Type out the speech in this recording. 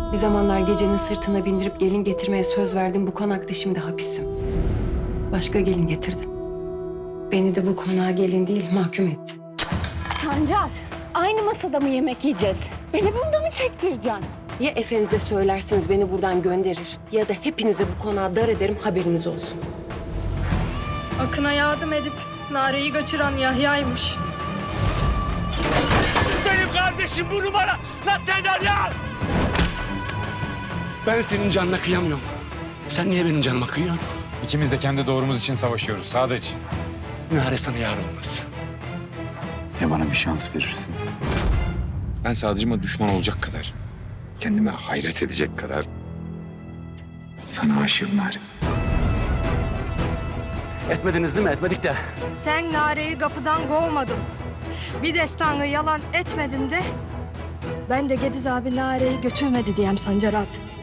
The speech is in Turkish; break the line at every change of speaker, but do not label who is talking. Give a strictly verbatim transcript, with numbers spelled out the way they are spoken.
Bir zamanlar gecenin sırtına bindirip gelin getirmeye söz verdim. Bu konakta şimdi hapisim. Başka gelin getirdin. Beni de bu konağa gelin değil mahkum etti.
Sancar, aynı masada mı yemek yiyeceğiz? Beni bunda mı çektireceksin?
Ya efenize söylersiniz beni buradan gönderir ya da hepinize bu konağa dar ederim, haberiniz olsun.
Akın'a yardım edip Nare'yi kaçıran Yahya'ymış.
Benim kardeşim bu numara. Lan sen ya! Ben senin canına kıyamıyorum. Sen niye benim canıma kıyıyorsun?
İkimiz de kendi doğrumuz için savaşıyoruz Sadıç.
Nare sana yar olmaz.
Ya bana bir şans verirsin? Ben Sadıcıma düşman olacak kadar, kendime hayret edecek kadar sana aşığım Nare.
Etmediniz değil mi? Etmedik de.
Sen Nare'yi kapıdan kovmadın. Bir destanı yalan etmedim de. Ben de Gediz abi Nare'yi götürmedi diyem Sancar abi.